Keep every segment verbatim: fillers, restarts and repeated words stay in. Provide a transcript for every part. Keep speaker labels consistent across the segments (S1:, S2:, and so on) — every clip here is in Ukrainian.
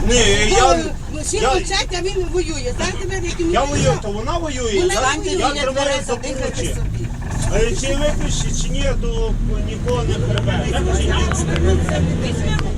S1: Ні, я...
S2: Всі
S1: я-
S2: мовчать, а він воює. Знаєте, ви, яким
S1: Я воюю, то вона воює,
S2: Вона
S1: я,
S2: воює.
S1: я тримаю за поручі. Е, Чи випиші, чи ні, то нікого не прибере. Чи ні?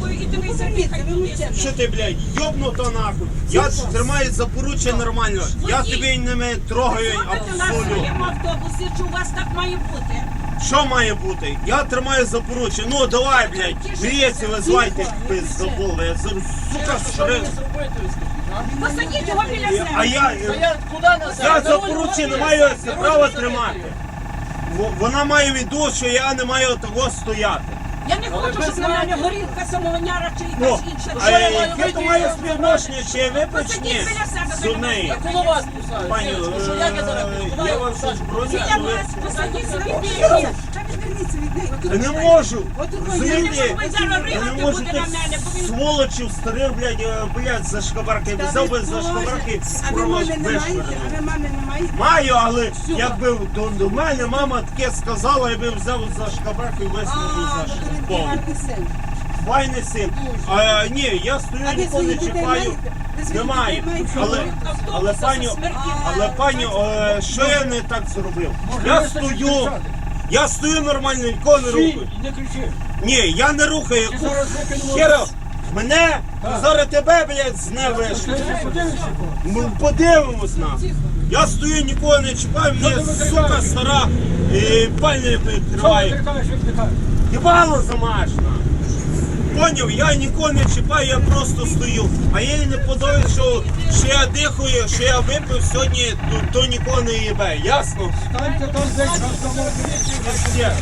S1: Що ти, блядь, йобнуто нахуй? Я тримаю за поруччя нормально. Я тебе не трогаю абсолютно.
S3: В автобусі, чи у вас так має бути?
S1: Що має бути? Я тримаю за поруччя. Ну давай, блядь, гріється, визвайте пиздобол. Я за- сука, шри...
S3: Посадіть його біля себе.
S1: А я, я за поруччя не маю права тримати. Во- Вона має віду, що я не маю того стояти.
S3: Я не хочу, щоб на мене горілка, самовняра чи
S1: Ну,
S3: якась інша.
S1: а яке то має співношення, чи я випечні
S3: Посадіть біля себе.
S1: з неї?
S4: Коло вас писають.
S1: Пані,
S4: Що як я зараз
S1: е,
S4: буду?
S1: я вам щось броню,
S3: Біля
S1: ви...
S3: вас посадіть собі біля.
S2: Та відверніться від неї. Отут
S1: Я не
S2: ви-
S1: можу,
S2: отут ви-
S1: розумієте?
S3: Ви зараз
S1: Я не
S3: ригати
S1: можу
S3: буде
S1: тих
S3: на мене, бо він...
S1: сволочів старих, блядь, е, блядь, за шкабарки.
S2: Та
S1: Взяв
S2: ви
S1: би за
S2: Боже,
S1: шкабарки,
S2: А ви мами не маєте?
S1: вишвирнув.
S2: А ви мами не маєте?
S1: Маю, але якби до, до мене мама таке сказала, я би взяв за шкабарки і
S2: А,
S1: висунув за
S2: бо то він
S1: шкабарку.
S2: гарний син.
S1: Файний син. А, ні, я
S2: А
S1: стою,
S2: ви
S1: ніколи не
S2: своїх дітей
S1: чіпаю.
S2: маєте? Ви своїх
S1: Немає.
S2: дітей маєте?
S1: Але, але пані, але пані, е, що я не так зробив? Я стою, я стою нормально, нікого не рухаю.
S4: Не кричи.
S1: Ні, я не рухаю.
S4: Ти зараз викинемо.
S1: Хера, мене, зараз тебе, блядь, з не вийшло. Ми подивимось на. Я стою, нікого не чіпаю, мені сука стара і пальня
S4: Що ти
S1: відкриває.
S4: крикаєш, віддихаєш?
S1: Єбало замашна. Поняв, я нікого не чіпаю, я просто стою. А їй не подобається, що, що я дихаю, що я випив сьогодні, то, то нікого не їбе. Ясно?
S4: Станьте там десь, час домой.
S1: Є.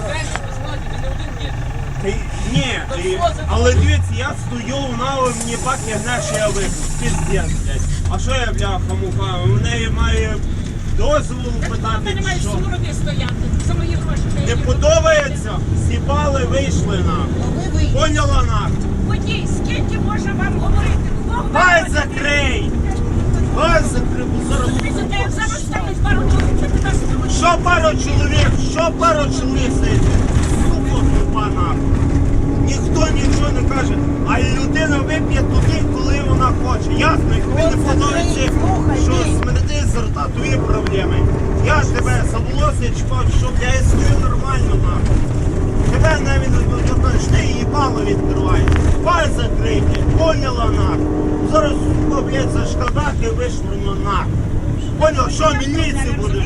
S1: Ти- Ні, ти- але дивіться, я стою, вона мені бак гне, що я випив. Піздець, блядь. А що я, бляха, муха? У неї має дозволу
S3: Ти
S1: питати,
S3: не маєш
S1: що?
S3: суроди стояти за мої гроші.
S1: Не подобається? Сіпали, вийшли нахуй. Поняла нахуй?
S3: Водій, скільки можна вам говорити? Кого ви
S1: Дай
S3: хочете?
S1: закрий! Дай закрий, бо зараз...
S3: Дивіться, як зараз стануть пару чоловік, що ти нас не хочеш?
S1: Що пару чоловік? Що пару чоловік сидить? Сука, тупа нахуй. Ніхто нічого не каже, а людина вип'є туди, коли вона хоче. Ясно, і тобі не подобається, що смерти з рта, твої проблеми. Я ж тебе за волосся чіпав, щоб я і стою нормально нахуй. Тебе навіть не знаєш, ти їбало відкриваєш. Паль закрий, блядь, поняла нахуй. Зараз, сука, блядь, за шкадаки вишвырну нахуй. Понял, що міліції буде?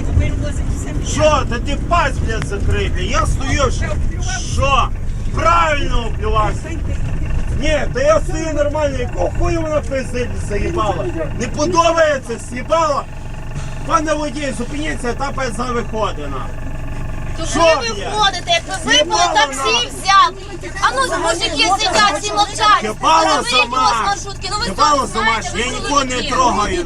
S1: Що? Та ти пасть, блядь, закрий, блядь. Я стою, що? Що? Правильно оплювався. Ні, та я стою нормально, якого хуя вона пиздить заїбала? Не подобається, з'їбала? Пане водій, зупиніться, та пизда виходить нахуй.
S5: То
S1: Що,
S5: коли ви
S1: блядь?
S5: входите, як ви випили,
S1: Їбало
S5: таксі
S1: нахуй.
S5: взяв. А ну, мужики сидять, всі мовчать.
S1: Їбало
S5: Заберіть його з
S1: замаш.
S5: маршрутки. Ну ви
S1: Їбало
S5: самі знаєте,
S1: замаш,
S5: ви
S1: я нікого не
S5: чоловіки.
S1: трогаю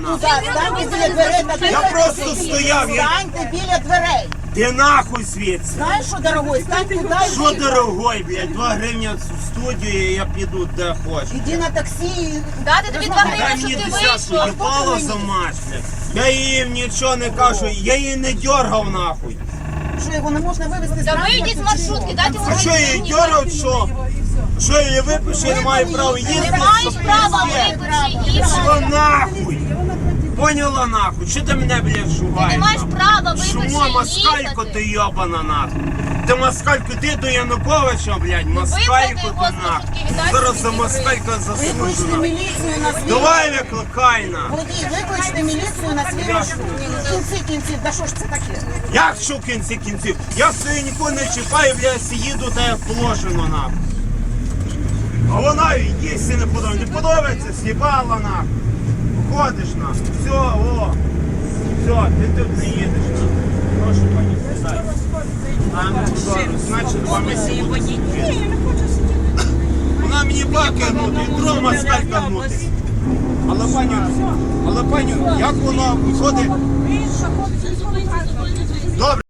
S1: нахуй. Я просто стояв, я...
S6: Станьте біля дверей.
S1: Ти нахуй звідси.
S6: Знаєш, що, дорогой, стань туди і
S1: Що дорогой, блядь, два гривні в студію, і я піду де хочу.
S6: іди на таксі.
S5: Дати тобі два
S1: Дай
S5: гривні,
S1: мені
S5: щоб ти
S1: десятку,
S5: вийшов.
S1: їбало за мать, блядь. Я їм нічого не кажу, я її не дьоргав нахуй.
S6: Що, його не можна вивезти з
S5: Та
S6: транспорту,
S5: вийдіть з
S6: чи
S5: маршрутки, дайте
S1: А що я її
S5: гривні.
S1: дьоргав, що? Що я її випишу, я не маю права їздити?
S5: Не маєш права випити її.
S1: Що нахуй? Поняла нахуй? Що ти мене, блядь,
S5: Ти
S1: шугаєш?
S5: не маєш
S1: нахуй?
S5: права випити
S1: Шумо, москалько
S5: їхати.
S1: ти йобана нахуй. Ти москалько, ти до Януковича, блядь, москалько ти
S5: його з
S1: нахуй.
S5: маршрутки, віддай
S1: Зараз
S5: собі
S1: за
S5: ті
S1: москалька заслужу
S6: Викличте
S1: нахуй.
S6: міліцію на свій
S1: Давай викликай на.
S6: Водій, викличте міліцію на свій маршрут. В кінці кінців, да що ж це таке?
S1: Як що в кінці кінців? Я свою нікого не чіпаю, блядь, їду та як положено нахуй. А вона їсти не подобається. Не подобається, з'їбала нахуй. Ходиш нахуй. Все, о. Все, ти тут не їдеш нахуй. Прошу, пані, сідай. А, ну, добре, значить, два місяці буде сидіти. Вона мені баки гнути, і друга москалька гнути. Але пані, але пані, як воно виходить? Добре.